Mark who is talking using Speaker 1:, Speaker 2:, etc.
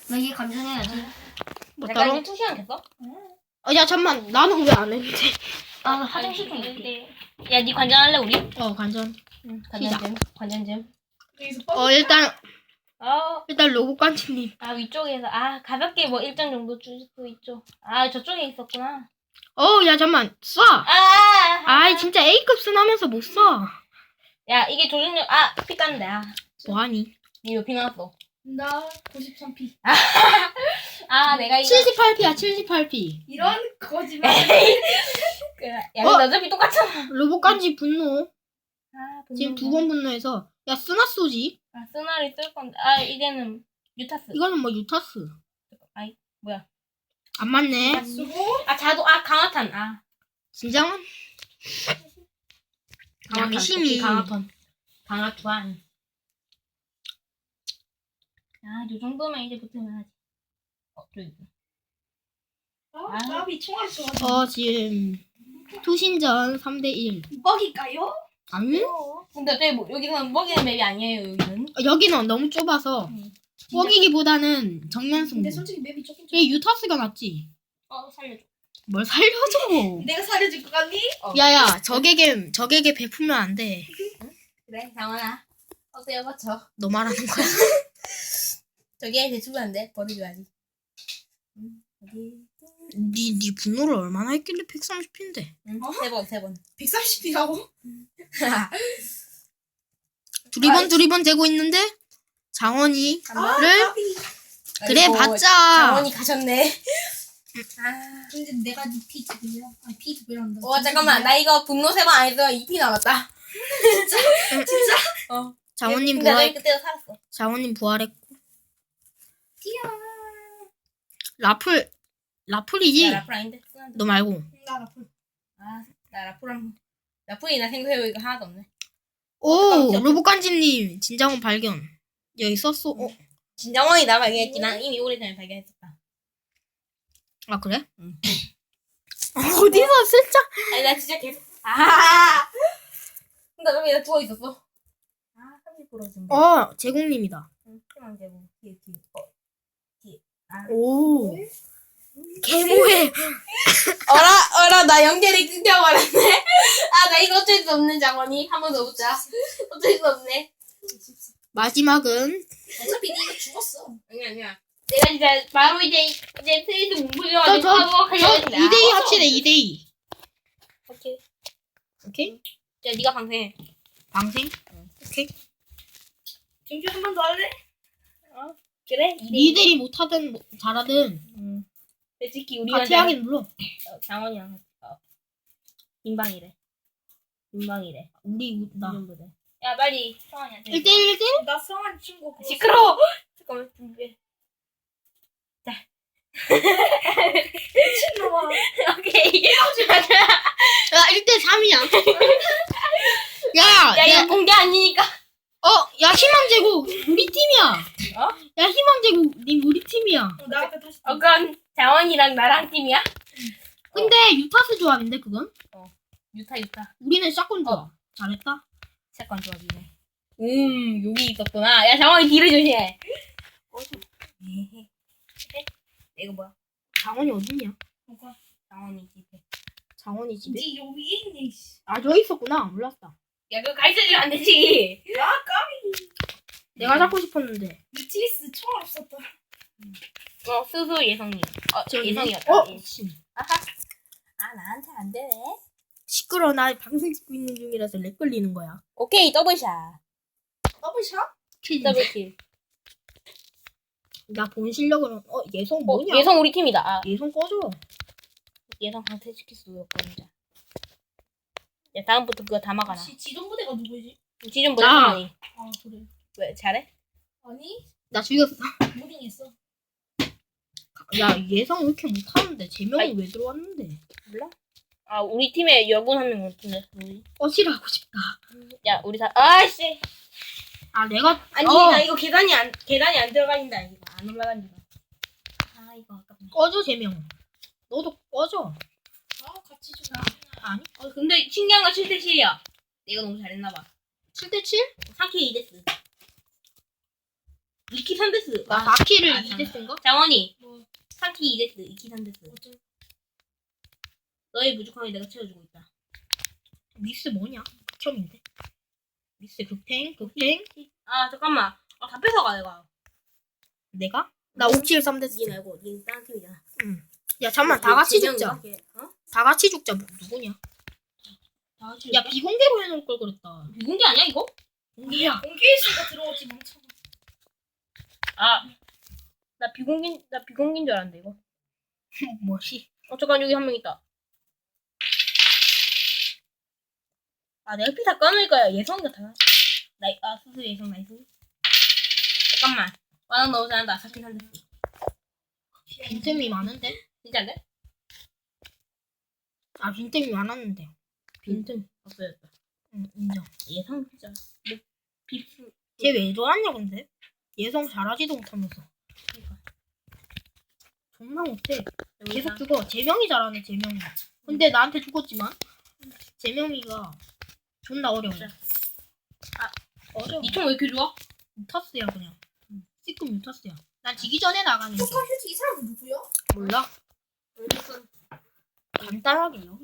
Speaker 1: 나 이게 감전해야지.
Speaker 2: 뭐
Speaker 3: 잠깐
Speaker 2: 따로?
Speaker 3: 이제 2시간 됐어?
Speaker 2: 야 잠만 나는 왜 안 했는데?
Speaker 1: 나 화장실 좀 갈게.
Speaker 3: 야, 니 관전할래 우리?
Speaker 2: 관전.
Speaker 3: 응.
Speaker 2: 시작.
Speaker 3: 관전 좀.
Speaker 2: 일단 로봇 깐치님.
Speaker 3: 아 위쪽에서 가볍게 뭐 일정 정도 줄 수 있죠. 저쪽에 있었구나.
Speaker 2: 야 잠만 쏴. 아이 진짜 A급 순하면서 못 쏴.
Speaker 3: 야 이게 조준력 피 깠는데
Speaker 2: 뭐하니?
Speaker 3: 니 몇 피 나왔어?
Speaker 1: 나 93p.
Speaker 3: 내가 이거
Speaker 2: 78P야 78P.
Speaker 1: 이런 거짓말.
Speaker 3: 그래. 야 근데 어차피 똑같잖아.
Speaker 2: 로봇 깐치 분노. 지금
Speaker 3: 분노네.
Speaker 2: 2번 분노해서 야 쓰나 쏘지?
Speaker 3: 쓰나리 쓸 건데 이제는 유타스.
Speaker 2: 이거는 뭐 유타스.
Speaker 3: 뭐야?
Speaker 2: 안 맞네.
Speaker 1: 수고.
Speaker 3: 자도 강화탄
Speaker 2: 진정은? 양심이.
Speaker 3: 강화투한. 요 정도면 이제 붙으면 하지. 저기.
Speaker 1: 나비 총알 쏘아.
Speaker 2: 지금 투신전 3대1.
Speaker 1: 뻑일까요?
Speaker 2: 아니?
Speaker 3: 근데 어차피 여기서는 먹이는 맵이 아니에요, 여기는.
Speaker 2: 여기는 너무 좁아서 뻐기기보다는 정면 승부.
Speaker 1: 근데 솔직히 맵이 조금.
Speaker 2: 얘 유타스가 낫지.
Speaker 3: 살려줘.
Speaker 2: 뭘 살려줘.
Speaker 1: 내가 살려줄 것 같니?
Speaker 2: 야야 적에게 베풀면 안 돼.
Speaker 3: 그래, 장원아. 어때요, 맞죠?
Speaker 2: 너 말하는 거야.
Speaker 3: 저기 대충 안 돼. 버려줘야지.
Speaker 2: 네 분노를 얼마나 했길래 130인데.
Speaker 3: 응, 세 번.
Speaker 1: 130p라고?
Speaker 2: 두리번 되고 있는데 장원이를 그래 봤자.
Speaker 3: 장원이 가셨네.
Speaker 1: 근데 내가 니 피 두 배야. 피 두 배란다.
Speaker 3: 잠깐만. 나 이거 분노 3번 안 해서 2피 남았다.
Speaker 1: 진짜?
Speaker 2: 장원님
Speaker 3: 근데
Speaker 2: 부활.
Speaker 3: 너 그때도 살았어.
Speaker 2: 장원님 부활했고.
Speaker 1: 뛰어.
Speaker 2: 라풀이지.
Speaker 3: 나 라플 아닌데?
Speaker 2: 너 말고.
Speaker 1: 나 라플.
Speaker 3: 나 라플이 나 생각해보니까 이거 하나도 없네.
Speaker 2: 오 로봇간지님 진장원 발견. 여기 썼어.
Speaker 3: 진정원이 나 발견했지. 난 이미 오래전에 발견했었다.
Speaker 2: 아 그래?
Speaker 3: 응.
Speaker 2: 어디서 슬쩍.
Speaker 3: 나 진짜 계속. 근데 왜 나 누워 있었어? 30% 정도.
Speaker 2: 제공님이다.
Speaker 3: 희망 제공. 뒤에.
Speaker 2: 오. 개모해.
Speaker 3: 어라, 나 연결이 끊겨버렸네. 나 이거 어쩔 수 없는 장원이. 한 번 더 붙자. 어쩔 수 없네.
Speaker 2: 마지막은
Speaker 1: 어차피 니가 죽었어.
Speaker 3: 아니야. 내가 진짜 바로 이제 트레이드 문부여가지고
Speaker 2: 저
Speaker 3: 하고 하려고
Speaker 2: 2대2 합치네 2대2. 오케이?
Speaker 3: 자, 네가 방생해.
Speaker 2: 방생? 오케이.
Speaker 1: 정규 한 번 더 할래?
Speaker 3: 그래?
Speaker 2: 니들이 못하든 잘하든
Speaker 3: 솔직히 우리가
Speaker 2: 같이 하긴 물론.
Speaker 3: 장원이랑 인방이래.
Speaker 2: 우리 나
Speaker 3: 이름보다. 야, 빨리 성환이한테.
Speaker 2: 1대1
Speaker 1: 나 성한 친구.
Speaker 3: 시끄러워. 잠깐만 준비해.
Speaker 1: 미친놈아.
Speaker 3: 오케이.
Speaker 2: 야 1대3이야.
Speaker 3: 야, 이거 공개 아니니까.
Speaker 2: 야 희망제국 우리 팀이야. 야 희망제국 님 우리 팀이야.
Speaker 1: 나 아까 다시.
Speaker 3: 그럼 장원이랑 나랑 팀이야?
Speaker 2: 근데 유타스 조합인데 그건?
Speaker 3: 유타.
Speaker 2: 우리는 샷건 조합. 잘했다.
Speaker 3: 사건 조합이네. 여기 있었구나. 야, 장원이 뒤를 조심해. 이거 뭐야?
Speaker 2: 장원이 어딨냐?
Speaker 1: 뭐가?
Speaker 3: 장원이 집에.
Speaker 2: 장원이 집에?
Speaker 1: 니 여기 있니?
Speaker 2: 저기 있었구나. 몰랐다.
Speaker 3: 야, 그거 가르쳐주면 안 되지.
Speaker 1: 야 까비.
Speaker 2: 내가 잡고 싶었는데.
Speaker 1: 유티스 총알 없었다.
Speaker 3: 스스 예성님.
Speaker 2: 저기
Speaker 3: 예성이었다.
Speaker 2: 씨.
Speaker 3: 나한테 안 되네.
Speaker 2: 시끄러. 나 방송 찍고 있는 중이라서 렉 걸리는 거야.
Speaker 3: 오케이, 더블샷.
Speaker 1: 더블샷?
Speaker 3: 더블킬.
Speaker 2: 나 본 실력으로 예성 뭐냐?
Speaker 3: 예성 우리 팀이다.
Speaker 2: 예성 꺼줘.
Speaker 3: 예성 강퇴시킬 수 없거든요. 야, 다음부터 그거 다 막아놔.
Speaker 1: 지존부대가 누구지?
Speaker 3: 지좀
Speaker 2: 나.
Speaker 3: 보자.
Speaker 1: 그래.
Speaker 3: 왜 잘해?
Speaker 1: 아니
Speaker 2: 나 죽였어.
Speaker 1: 무빙했어.
Speaker 2: 야 예성 왜 이렇게 못하는데? 제명이
Speaker 3: 아이.
Speaker 2: 왜 들어왔는데?
Speaker 3: 몰라? 우리 팀에 여군 한 명 같은데.
Speaker 2: 꺼지라고 싶다.
Speaker 3: 야, 우리 다. 아씨.
Speaker 2: 내가
Speaker 3: 아니, 나 이거 계단이 안 들어가진다. 이거 안 올라간다. 이거 아깝네.
Speaker 2: 꺼져 제명. 너도 꺼져.
Speaker 1: 같이 좀.
Speaker 2: 아니?
Speaker 3: 근데 신기한 건 7대7이야. 내가 너무 잘했나봐.
Speaker 2: 7대7?
Speaker 3: 3K 2데스.
Speaker 4: 2키 3데스.
Speaker 2: 나 4키를 2데스인가?
Speaker 4: 장원이.
Speaker 1: 뭐.
Speaker 4: 3키 2데스, 2키 3데스. 너의 부족함이 내가 채워주고 있다.
Speaker 2: 미스 뭐냐? 극혐인데. 미스 극탱?
Speaker 4: 아, 잠깐만. 아, 다 뺏어가, 내가.
Speaker 2: 내가? 나 5킬 3데스.
Speaker 4: 니 말고, 니 다른 팀이잖아.
Speaker 2: 응. 야 잠만 다 같이 죽자.
Speaker 4: 어?
Speaker 2: 다 같이 죽자. 누구냐?
Speaker 4: 다 같이
Speaker 2: 야
Speaker 4: 죽자?
Speaker 2: 비공개로 해놓을 걸 그랬다.
Speaker 4: 비공개 아니야, 이거?
Speaker 2: 공개야.
Speaker 1: 공개했으니까 들어오지 멍청아.
Speaker 4: 아. 나 비공개인 줄 알았는데, 이거.
Speaker 2: 뭐지?
Speaker 4: 잠깐, 여기 한 명 있다. 아, 내가 피 다 까놓으니까 예성 같아. 수수 예성 나이스. 잠깐만. 와나 너무 잘한다. 4킬 3데스.
Speaker 2: 빈틈이 많은데?
Speaker 4: 진짜 안 돼?
Speaker 2: 아 빈틈이 많았는데.
Speaker 4: 빈틈 없어졌다.
Speaker 2: 응 인정.
Speaker 4: 예성 진짜. 뭐, 빕스.
Speaker 2: 쟤 왜 저러냐 근데? 예성 잘하지도 못하면서.
Speaker 4: 그러니까.
Speaker 2: 존나 못해. 계속
Speaker 4: 여기다.
Speaker 2: 죽어. 재명이 잘하네 재명이. 근데 나한테 죽었지만 재명이가 존나 어려워.
Speaker 4: 진짜.
Speaker 2: 어려워.
Speaker 4: 니총 왜 이렇게 좋아?
Speaker 2: 유타스야 그냥. C급 유타스야. 난 지기 전에 나가는 게.
Speaker 1: 휴지 이 사람 누구야?
Speaker 2: 몰라.
Speaker 4: 왜 이렇게
Speaker 2: 간단하게요.